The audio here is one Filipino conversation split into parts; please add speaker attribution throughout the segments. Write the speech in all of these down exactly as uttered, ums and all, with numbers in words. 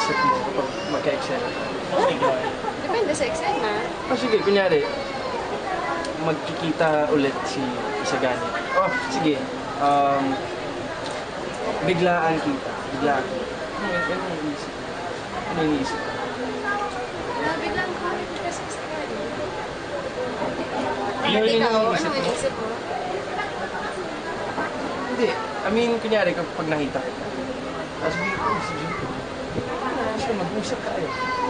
Speaker 1: iniisip mo kapag magka-eksena ka?
Speaker 2: Depende sa eksena.
Speaker 1: Oh, sige, kunyari, magkikita ulit si Isagani. Oh, sige. Um, biglaan kita. Biglaan. Ano yung ano yung iniisip? Ano yung iniisip?
Speaker 2: Nabiglang ko nakikita sa Isagani.
Speaker 1: Ano yung
Speaker 2: Ikaw,
Speaker 1: iniisip
Speaker 2: anong
Speaker 1: mo?
Speaker 2: iniisip mo?
Speaker 1: Hindi. I mean, kunyari, kapag nakita kita. Tapos bigyan ko, si Jimmy. Gusto mag-usap tayo.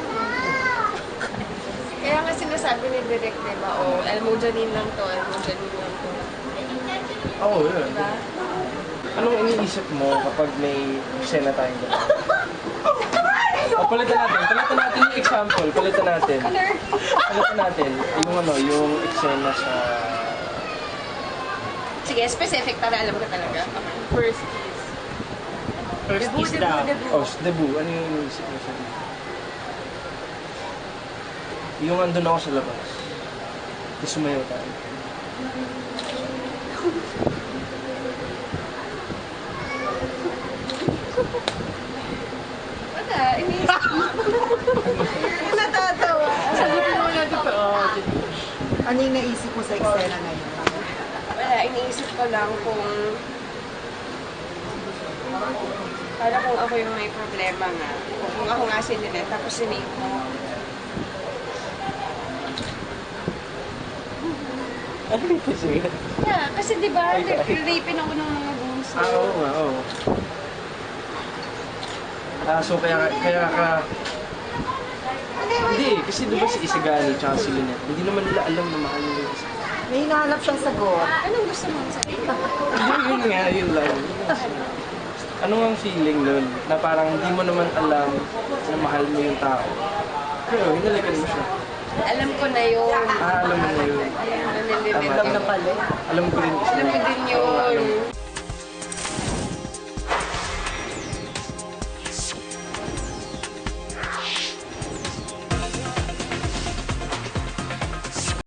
Speaker 2: Kaya nga sinasabi ni Direk, diba? O, Elmo-Janine lang to, Elmo-Janine lang to.
Speaker 1: Oo, oh, yun.
Speaker 2: Diba?
Speaker 1: Anong iniisip mo kapag may eksena tayong gano'n? O, palitan natin. Palitan natin yung example. Palitan natin. Palitan natin yung ano, yung eksena sa...
Speaker 2: Sige, specific para alam ko talaga. First kiss.
Speaker 3: First
Speaker 2: Debut,
Speaker 3: kiss
Speaker 2: debut,
Speaker 3: daw.
Speaker 2: debut.
Speaker 1: Oh, sa debut. Ano yung iniisip mo sa debut? Yung andun ako sa labas. Tapos sumayaw tayo.
Speaker 2: Wala, iniisip mo. Natatawa.
Speaker 1: Sagutin mo natin pa. Oh,
Speaker 4: Ano yung naisip mo sa eksena na yun?
Speaker 2: Wala, iniisip ko lang kung... Para kung ako yung may problema nga. Kung ako nga si Lynette, tapos si Nico.
Speaker 1: ano yung sige?
Speaker 2: Yeah, kasi di ba, rapin ako ng mga bunso.
Speaker 1: Ah, oo nga, oo. Ah, so kaya, kaya ka... Hindi, kasi di ba si Isagani tsaka si Lynette, hindi naman nila alam na mahal nila yung Isagani.
Speaker 4: May hinahanap siyang sagot.
Speaker 2: Anong gusto mong sabihin?
Speaker 1: Hindi, yun nga, yun lang. Ano ang feeling nun? Na parang hindi mo naman alam na mahal mo yung tao. Pero hinalikan mo siya.
Speaker 2: Alam ko na yun.
Speaker 1: Ah, alam mo na yun.
Speaker 2: Alam na ni
Speaker 1: Tama,
Speaker 2: Lynette.
Speaker 1: tama.
Speaker 4: Alam na pala.
Speaker 1: Alam ko rin kasi.
Speaker 2: Alam ko din yun.